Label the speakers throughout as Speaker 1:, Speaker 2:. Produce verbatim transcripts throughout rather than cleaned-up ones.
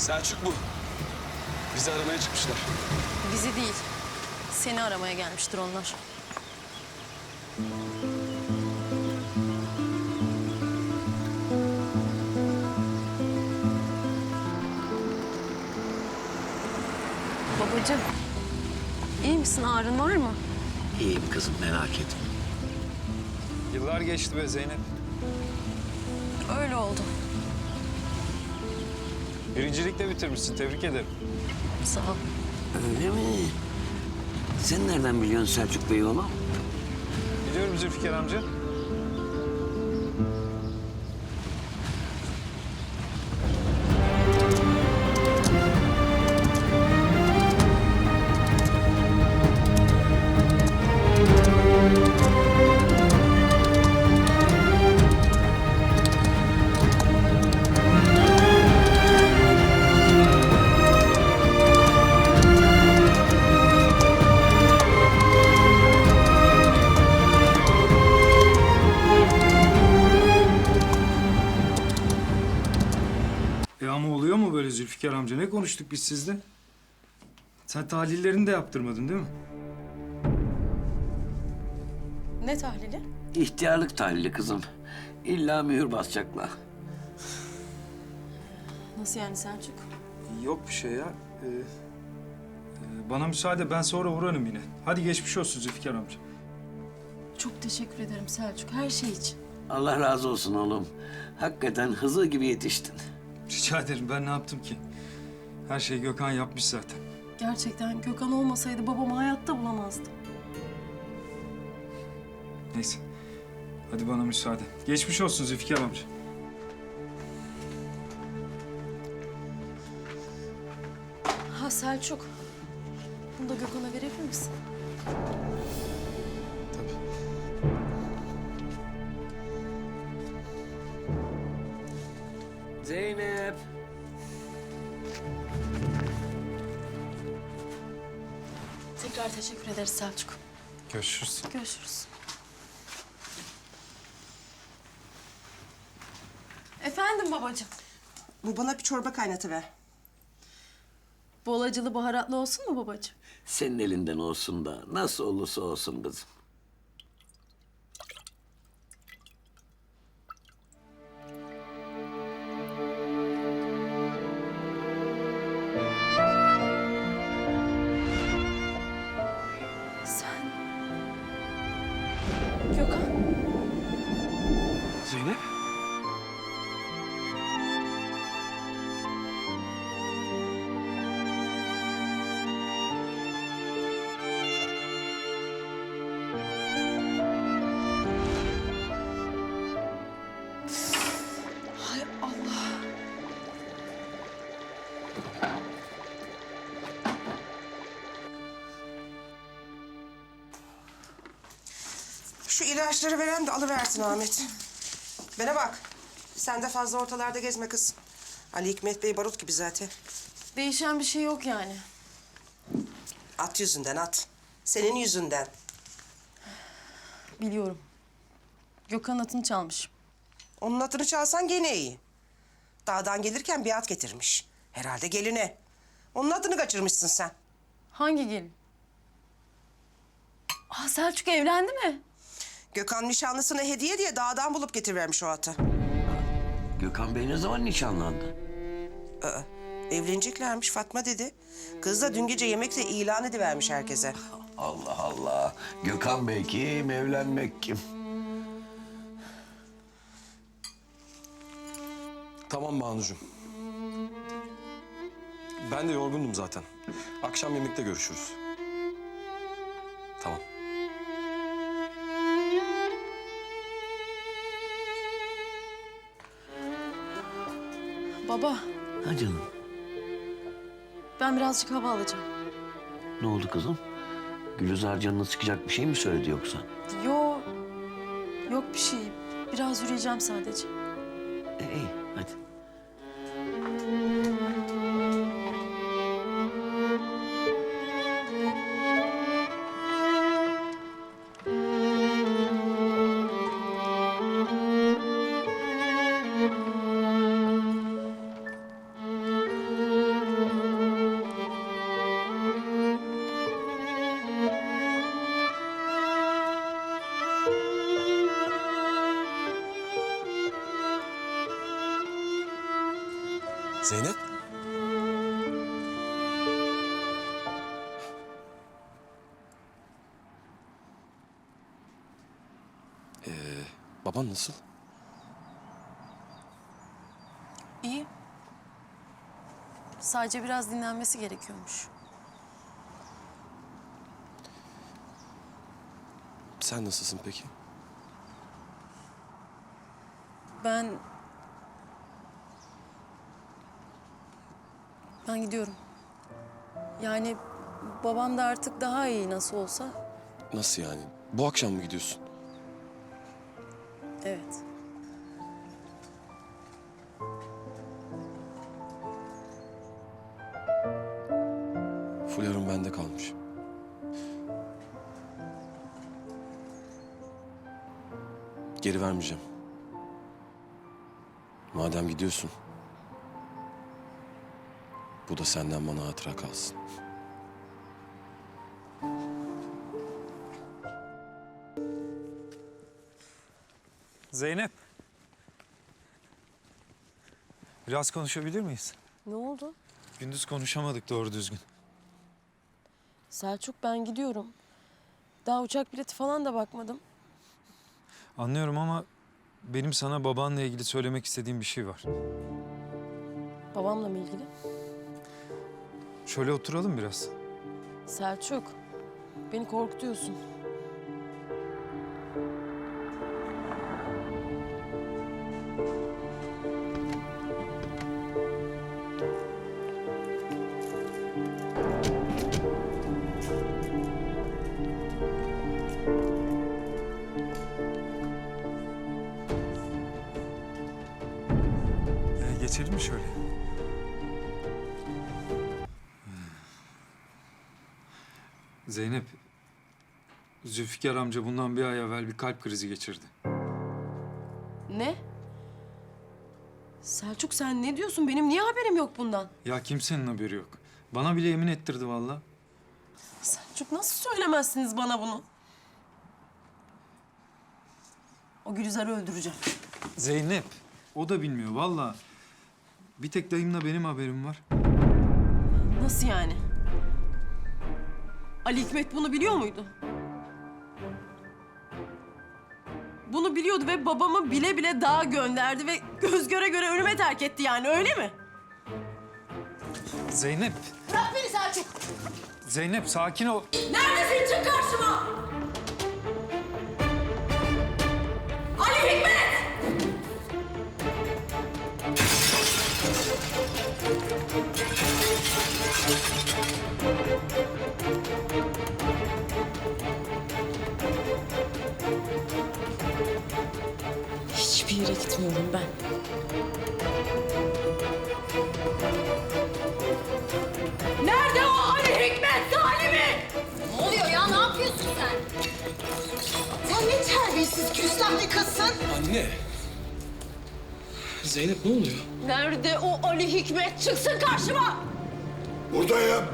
Speaker 1: Selçuk bu. Bizi aramaya çıkmışlar.
Speaker 2: Bizi değil, seni aramaya gelmiştir onlar. Babacığım, iyi misin? Ağrın var mı?
Speaker 3: İyiyim kızım, merak etme.
Speaker 4: Yıllar geçti be Zeynep.
Speaker 2: Öyle oldu.
Speaker 4: Birincilikle bitirmişsin, tebrik ederim.
Speaker 2: Sağ ol.
Speaker 3: Öyle mi? Sen nereden biliyorsun Selçuk Bey oğlum?
Speaker 4: Biliyorum Zülfikar amca.
Speaker 5: E ama oluyor mu böyle Zülfikar amca? Ne konuştuk biz sizle? Sen tahlillerini de yaptırmadın değil mi?
Speaker 2: Ne tahlili?
Speaker 3: İhtiyarlık tahlili kızım. İlla mühür basacaklar.
Speaker 2: Nasıl yani Selçuk?
Speaker 5: Yok bir şey ya. Ee, e, bana müsaade, ben sonra uğrarım yine. Hadi geçmiş olsun Zülfikar amca.
Speaker 2: Çok teşekkür ederim Selçuk, her şey için.
Speaker 3: Allah razı olsun oğlum. Hakikaten hızır gibi yetiştin.
Speaker 5: Rica ederim, ben ne yaptım ki? Her şeyi Gökhan yapmış zaten.
Speaker 2: Gerçekten Gökhan olmasaydı babamı hayatta bulamazdım.
Speaker 5: Neyse. Hadi bana müsaade. Geçmiş olsun Zülfikar amca.
Speaker 2: Ha Selçuk, bunu da Gökhan'a verebilir misin?
Speaker 5: Tabii.
Speaker 3: Zeynep.
Speaker 2: Tekrar teşekkür ederiz Selçuk.
Speaker 5: Görüşürüz.
Speaker 2: Görüşürüz. Efendim babacığım.
Speaker 6: Bu bana bir çorba kaynatıver.
Speaker 2: Bol acılı baharatlı olsun mu babacığım?
Speaker 3: Senin elinden olsun da nasıl olursa olsun kızım.
Speaker 2: Sen... Gökhan.
Speaker 1: Zeynep.
Speaker 2: Hay Allah.
Speaker 6: Şu ilaçları veren de alıversin Ahmet. Bana bak. Sen de fazla ortalarda gezme kız. Ali Hikmet Bey barut gibi zaten.
Speaker 2: Değişen bir şey yok yani.
Speaker 6: At yüzünden at. Senin yüzünden.
Speaker 2: Biliyorum. Gökhan atını çalmış.
Speaker 6: Onun atını çalsan gene iyi. Dağdan gelirken bir at getirmiş. Herhalde geline. Onun atını kaçırmışsın sen.
Speaker 2: Hangi gelin? Aa Selçuk evlendi mi?
Speaker 6: Gökhan nişanlısına hediye diye dağdan bulup getirivermiş o atı.
Speaker 3: Gökhan Bey ne zaman nişanlandı?
Speaker 6: Aa, evleneceklermiş Fatma dedi. Kız da dün gece yemekte ilan edivermiş herkese.
Speaker 3: Allah Allah. Gökhan Bey kim, evlenmek kim?
Speaker 1: Tamam Banucuğum. Ben de yorgundum zaten. Akşam yemekte görüşürüz. Tamam.
Speaker 2: Baba,
Speaker 3: Ha canım.
Speaker 2: ben birazcık hava alacağım.
Speaker 3: Ne oldu kızım? Gülizar canını sıkacak bir şey mi söyledi yoksa?
Speaker 2: Yo, yok bir şey. Biraz yürüyeceğim sadece.
Speaker 3: E, iyi, hadi.
Speaker 1: Zeynep? Ee, baban nasıl?
Speaker 2: İyi. Sadece biraz dinlenmesi gerekiyormuş.
Speaker 1: Sen nasılsın peki?
Speaker 2: Ben... Ben gidiyorum. Yani babam da artık daha iyi nasıl olsa.
Speaker 1: Nasıl yani? Bu akşam mı gidiyorsun?
Speaker 2: Evet.
Speaker 1: Fularım bende kalmış. Geri vermeyeceğim. Madem gidiyorsun, bu da senden bana hatıra kalsın.
Speaker 4: Zeynep. Biraz konuşabilir miyiz?
Speaker 2: Ne oldu?
Speaker 4: Gündüz konuşamadık doğru düzgün.
Speaker 2: Selçuk, ben gidiyorum. Daha uçak bileti falan da bakmadım.
Speaker 4: Anlıyorum ama benim sana babanla ilgili söylemek istediğim bir şey var.
Speaker 2: Babamla mı ilgili?
Speaker 4: Şöyle oturalım biraz.
Speaker 2: Selçuk, beni korkutuyorsun.
Speaker 4: Ee, geçelim mi şöyle? Zeynep, Zülfikar amca bundan bir ay evvel bir kalp krizi geçirdi.
Speaker 2: Ne? Selçuk, sen ne diyorsun? Benim niye haberim yok bundan?
Speaker 4: Ya kimsenin haberi yok. Bana bile yemin ettirdi vallahi.
Speaker 2: Selçuk, nasıl söylemezsiniz bana bunu? O Gülizar'ı öldüreceğim.
Speaker 4: Zeynep, o da bilmiyor vallahi. Bir tek dayımla benim haberim var.
Speaker 2: Nasıl yani? Ali Hikmet bunu biliyor muydu? Bunu biliyordu ve babamı bile bile dağa gönderdi ve göz göre göre ölüme terk etti yani, öyle mi?
Speaker 4: Zeynep,
Speaker 2: Bırak beni Selçuk!
Speaker 4: Zeynep sakin ol.
Speaker 2: Neredesin? Çık karşıma! Ali Hikmet! Hiçbir yere gitmiyorum ben. Nerede o Ali Hikmet Salim'i?
Speaker 7: Ne oluyor ya? Ne yapıyorsun sen? Sen ne terbiyesiz, küstah bir kızsın.
Speaker 1: Anne! Zeynep ne oluyor?
Speaker 2: Nerede o Ali Hikmet? Çıksın karşıma!
Speaker 8: Buradayım.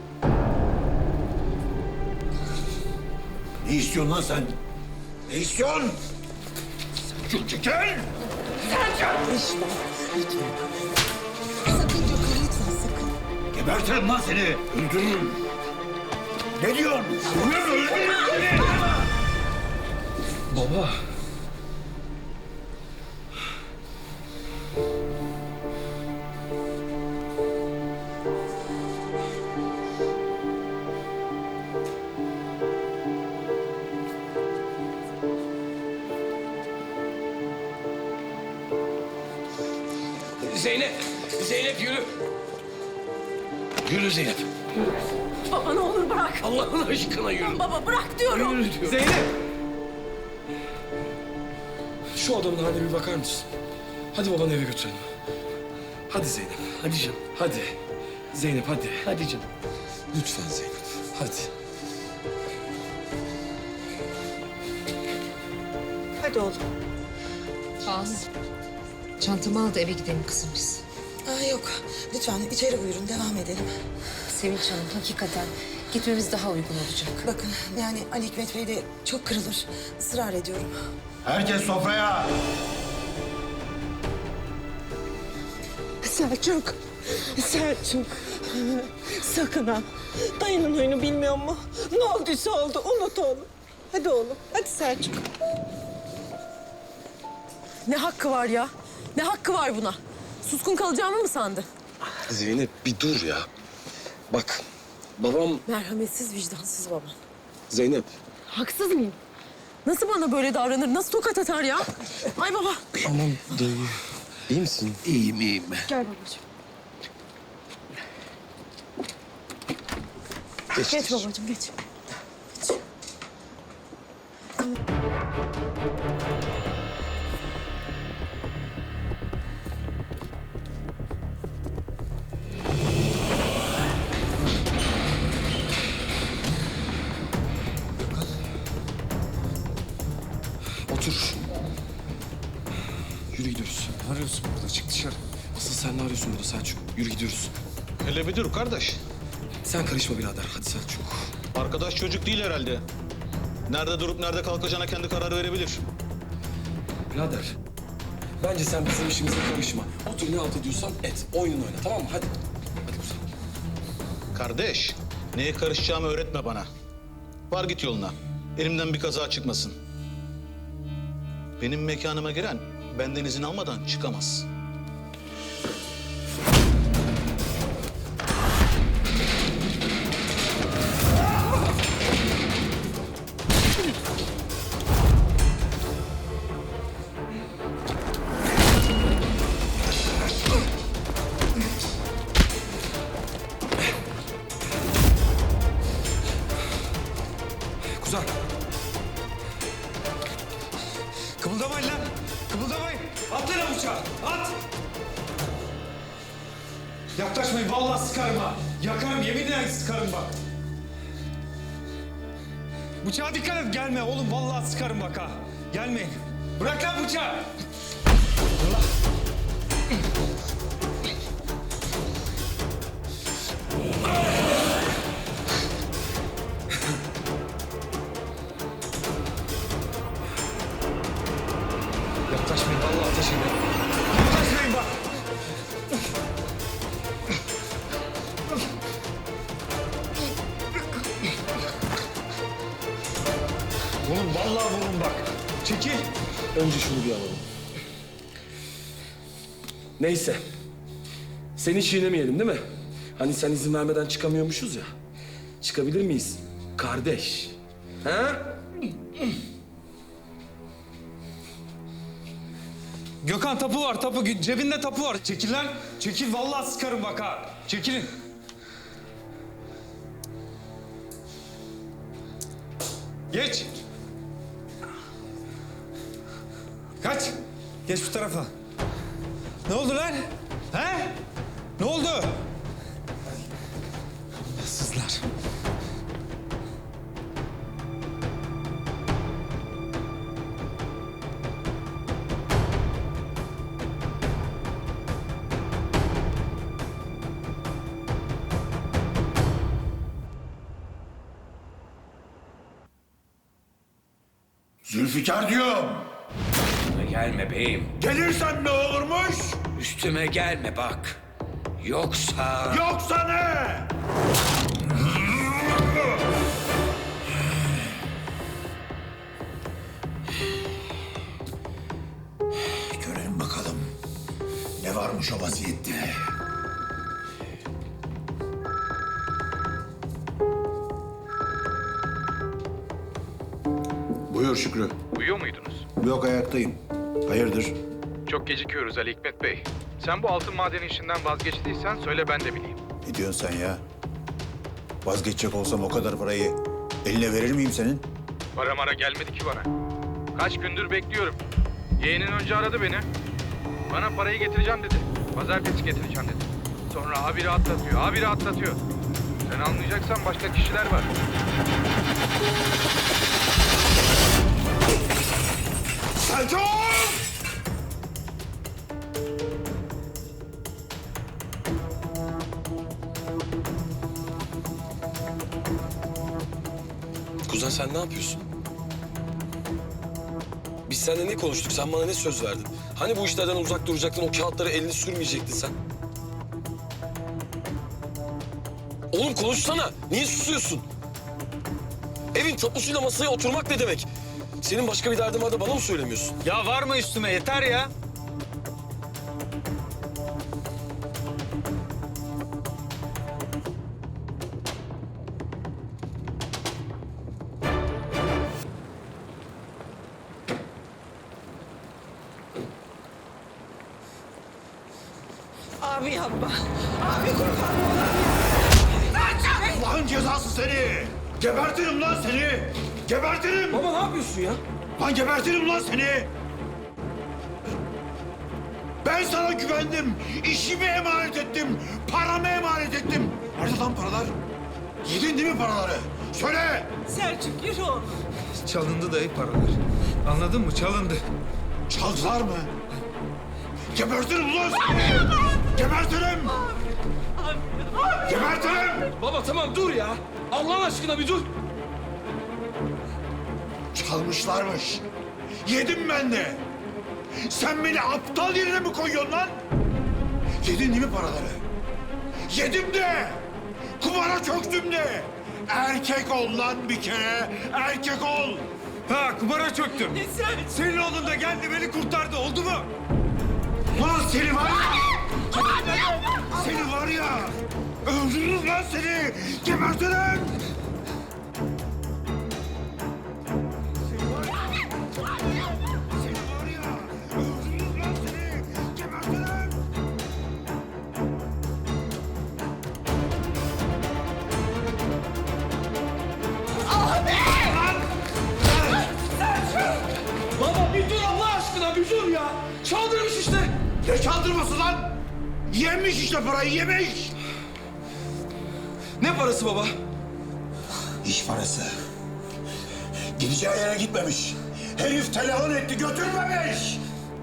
Speaker 8: Ne istiyorsun lan sen? Ne istiyorsun? Selçuk çekil!
Speaker 7: Sakın Gökhan'ı lütfen sakın.
Speaker 8: Gebertirim lan seni. Öldürürüm. Ne diyorsun? Öldürürüm, öldürürüm seni.
Speaker 1: Baba! Zeynep! Zeynep yürü! Yürü Zeynep.
Speaker 2: Baba ne olur bırak.
Speaker 1: Allah'ın aşkına yürü.
Speaker 2: Baba bırak diyorum.
Speaker 1: Yürü diyorum. Zeynep! Şu adamın haline bir bakar mısın? Hadi babanı eve götürelim. Hadi Zeynep. Hadi canım. Hadi. Zeynep hadi. Hadi canım. Lütfen Zeynep. Hadi.
Speaker 7: Hadi oğlum.
Speaker 9: Az. Çantamı al da eve gidelim kızım biz.
Speaker 7: Aa, yok. Lütfen içeri buyurun. Devam edelim.
Speaker 9: Sevinç Hanım hakikaten gitmemiz daha uygun olacak.
Speaker 7: Bakın yani Ali Hikmet Bey de çok kırılır. Israr ediyorum.
Speaker 8: Herkes sofraya.
Speaker 10: Selçuk, Selçuk. Sakın ha. Dayının huyunu bilmiyor mu? Ne olduysa oldu, unut oğlum. Hadi oğlum, hadi Selçuk.
Speaker 2: Ne hakkı var ya? Ne hakkı var buna? Suskun kalacağımı mı sandı?
Speaker 1: Zeynep bir dur ya. Bak babam...
Speaker 2: Merhametsiz, vicdansız babam.
Speaker 1: Zeynep.
Speaker 2: Haksız mıyım? Nasıl bana böyle davranır? Nasıl tokat atar ya? Ay baba.
Speaker 1: Aman dayı. İyi misin?
Speaker 3: İyiyim iyiyim.
Speaker 2: Gel babacığım.
Speaker 1: Geç,
Speaker 2: Geç babacığım, geç. Geç.
Speaker 1: Otur. Yürü gidiyoruz.
Speaker 4: Ne arıyorsun burada? Çık dışarı.
Speaker 1: Asıl sen ne arıyorsun burada Selçuk? Yürü gidiyoruz.
Speaker 8: Hele bir dur kardeş.
Speaker 1: Sen karışma birader. Hadi Selçuk.
Speaker 8: Arkadaş çocuk değil herhalde. Nerede durup nerede kalkacağına kendi karar verebilir.
Speaker 1: Birader. Bence sen bizim işimize karışma. Otur ne alt ediyorsan et. Oyununu oyna tamam mı? Hadi. Hadi kuzum.
Speaker 8: Kardeş, neye karışacağımı öğretme bana. Var git yoluna. Elimden bir kaza çıkmasın. Benim mekanıma giren benden izin almadan çıkamaz.
Speaker 1: Kuzen.
Speaker 5: Kımıldamayın lan. Kımıldamayın. At lan bıçağı. At. Yaklaşmayın. Vallahi sıkarım ha. Yakarım. Yeminle sıkarım bak. Bıçağa dikkat et. Gelme oğlum. Vallahi sıkarım bak ha. Gelmeyin. Bırak lan bıçağı. Allah. Yaklaşmayın. Vallahi ateş ederim. Yaklaşmayın bak. Oğlum vallahi vurun bak. Çekil.
Speaker 1: Önce şunu bir alalım. Neyse. Seni çiğnemeyelim değil mi? Hani sen izin vermeden çıkamıyormuşuz ya. Çıkabilir miyiz? Kardeş. Ha?
Speaker 5: Gökhan tapu var tapu. Cebinde tapu var. Çekil lan. Çekil vallahi sıkarım bak ha. Çekilin. Geç. Kaç. Geç bu tarafa. Ne oldu lan? He? Ne oldu? Sızlar.
Speaker 8: Zülfikar diyorum.
Speaker 11: Gelme beyim.
Speaker 8: Gelirsen ne olurmuş?
Speaker 11: Üstüme gelme bak. Yoksa...
Speaker 8: Yoksa ne? Görelim bakalım. Ne varmış o vaziyette? Buyur Şükrü.
Speaker 12: Uyuyor muydunuz?
Speaker 8: Yok ayaktayım. Hayırdır?
Speaker 12: Çok gecikiyoruz Ali Hikmet Bey. Sen bu altın madeni işinden vazgeçtiysen söyle ben de bileyim.
Speaker 8: Ne diyorsun sen ya? Vazgeçecek olsam o kadar parayı eline verir miyim senin?
Speaker 12: Para mara gelmedi ki bana. Kaç gündür bekliyorum. Yeğenin önce aradı beni. Bana parayı getireceğim dedi. Pazartesi getireceğim dedi. Sonra habire atlatıyor, habire atlatıyor. Sen anlayacaksan başka kişiler var.
Speaker 8: Selçuk!
Speaker 1: Kuzen sen ne yapıyorsun? Biz seninle ne konuştuk? Sen bana ne söz verdin? Hani bu işlerden uzak duracaktın, o kağıtlara elini sürmeyecektin sen? Oğlum konuşsana. Niye susuyorsun? Evin tapusuyla masaya oturmak ne demek? Senin başka bir derdin var da bana mı söylemiyorsun?
Speaker 5: Ya var mı üstüme yeter ya.
Speaker 10: Abi yapma. Abi kurban olayım.
Speaker 13: Allah'ın cezası seni! Gebertirim lan seni! Gebertirim!
Speaker 1: Baba ne yapıyorsun ya?
Speaker 13: Lan gebertirim lan seni! Ben sana güvendim, işimi emanet ettim, paramı emanet ettim. Nerede lan paralar? Yedin değil mi paraları? Söyle!
Speaker 10: Selçuk yürü oğlum.
Speaker 5: Çalındı dayı paralar. Anladın mı? Çalındı.
Speaker 13: Çaldılar mı? Gebertirim lan seni! Gebertirim! Gebertirim!
Speaker 1: Baba tamam dur ya. Allah aşkına bir dur.
Speaker 13: Çalmışlarmış. Yedim ben de. Sen beni aptal yerine mi koyuyorsun lan? Yedin değil mi paraları? Yedim de. Kumara çöktüm de. Erkek ol lan bir kere. Erkek ol.
Speaker 5: Ha kumara çöktüm.
Speaker 10: Ne sen?
Speaker 5: Senin oğlun da geldi beni kurtardı. Oldu mu?
Speaker 13: Lan seni var ya. Seni var ya. Öldürürüm lan seni. Gebertirim. Seni var ya. Seni var ya. Öldürürüm lan seni. Gebertirim.
Speaker 1: Baba bir dur Allah aşkına bir dur ya. Çaldırmış işte.
Speaker 13: Ne çaldırması lan? Yemiş işte parayı, yemiş.
Speaker 1: Ne parası baba?
Speaker 13: İş parası. Gideceği yere gitmemiş. Herif telefon etti, götürmemiş.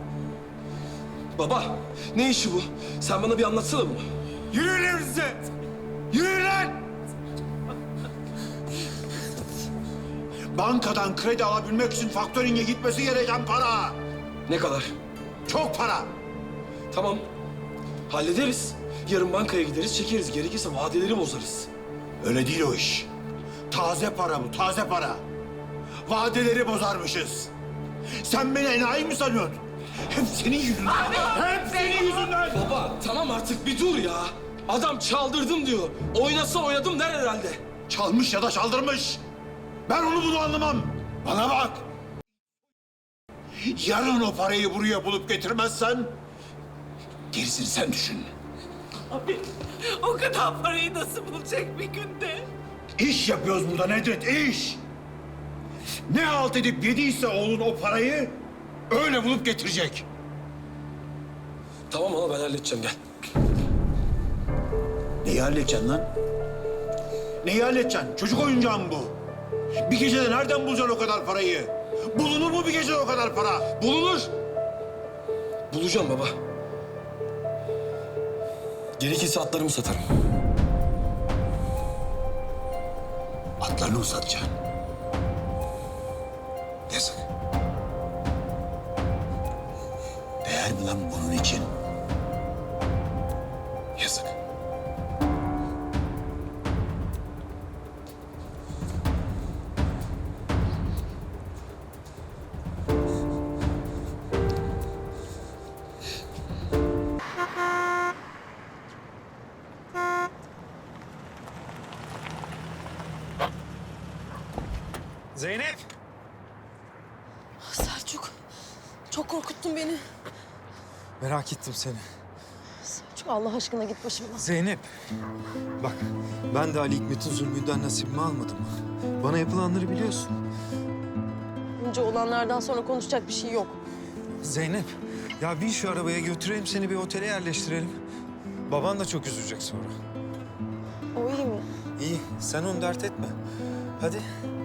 Speaker 1: Baba ne işi bu? Sen bana bir anlatsana bunu.
Speaker 13: Yürü lan size. Yürü lan. Bankadan kredi alabilmek için faktöringe gitmesi gereken para.
Speaker 1: Ne kadar?
Speaker 13: Çok para.
Speaker 1: Tamam. Hallederiz. Yarın bankaya gideriz, çekeriz. Gerekirse vadeleri bozarız.
Speaker 13: Öyle değil o iş. Taze para bu, taze para. Vadeleri bozarmışız. Sen beni enayi mi sanıyorsun? Hep senin yüzünden. Hep senin yüzünden.
Speaker 1: Baba tamam artık bir dur ya. Adam çaldırdım diyor. Oynasa oynadım der herhalde.
Speaker 13: Çalmış ya da çaldırmış. Ben onu bunu anlamam. Bana bak. Yarın o parayı buraya bulup getirmezsen... gerisini sen düşün.
Speaker 10: Abi o kadar parayı nasıl bulacak bir günde?
Speaker 13: İş yapıyoruz burada Nedret, iş. Ne halt edip yediyse oğlun o parayı öyle bulup getirecek.
Speaker 1: Tamam ama ben halledeceğim gel.
Speaker 13: Neyi halledeceksin lan? Neyi halledeceksin? Çocuk oyuncağı mı bu? Bir gecede nereden bulacaksın o kadar parayı? Bulunur mu bir gecede o kadar para?
Speaker 1: Bulunur. Bulacağım baba. Gerekirse atlarımı satarım.
Speaker 13: Atlarını mı satacaksın? Yazık. Değer mi lan bunun için? Yazık.
Speaker 5: Zeynep.
Speaker 2: Selçuk, çok korkuttun beni.
Speaker 5: Merak ettim seni.
Speaker 2: Selçuk Allah aşkına git başımdan.
Speaker 5: Zeynep. Bak ben de Ali Hikmet'in zulmünden nasibimi almadım. Bana yapılanları biliyorsun.
Speaker 2: Önce olanlardan sonra konuşacak bir şey yok.
Speaker 5: Zeynep. Ya bin şu arabaya götüreyim seni bir otele yerleştirelim. Baban da çok üzülecek sonra.
Speaker 2: O iyi mi?
Speaker 5: İyi sen onu dert etme. Hadi.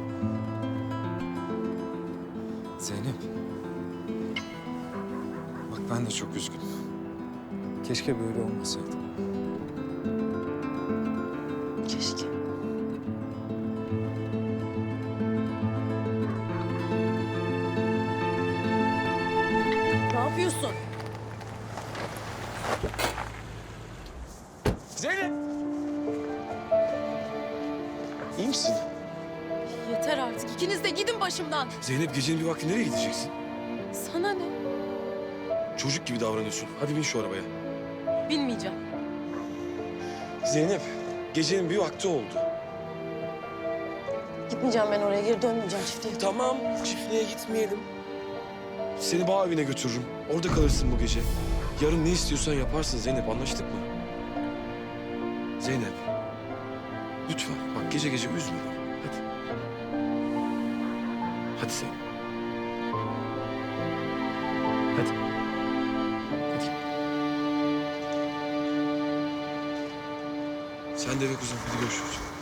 Speaker 5: Zeynep. Bak ben de çok üzgünüm. Keşke böyle olmasaydı.
Speaker 2: Keşke. Ne yapıyorsun?
Speaker 1: Zeynep! İyi misin?
Speaker 2: Yeter artık. İkiniz de gidin başımdan.
Speaker 1: Zeynep gecenin bir vakti nereye gideceksin?
Speaker 2: Sana ne?
Speaker 1: Çocuk gibi davranıyorsun. Hadi bin şu arabaya.
Speaker 2: Bilmeyeceğim.
Speaker 1: Zeynep, gecenin bir vakti oldu.
Speaker 2: Gitmeyeceğim ben oraya. Geri dönmeyeceğim çiftliğe.
Speaker 1: Tamam, çiftliğe gitmeyelim. Seni bağ evine götürürüm. Orada kalırsın bu gece. Yarın ne istiyorsan yaparsın Zeynep, anlaştık mı? Zeynep, lütfen bak gece gece üzme beni. Hadi. Hadi Zeynep. Hadi. Hadi. Sen de eve kuzum. Hadi görüşürüz.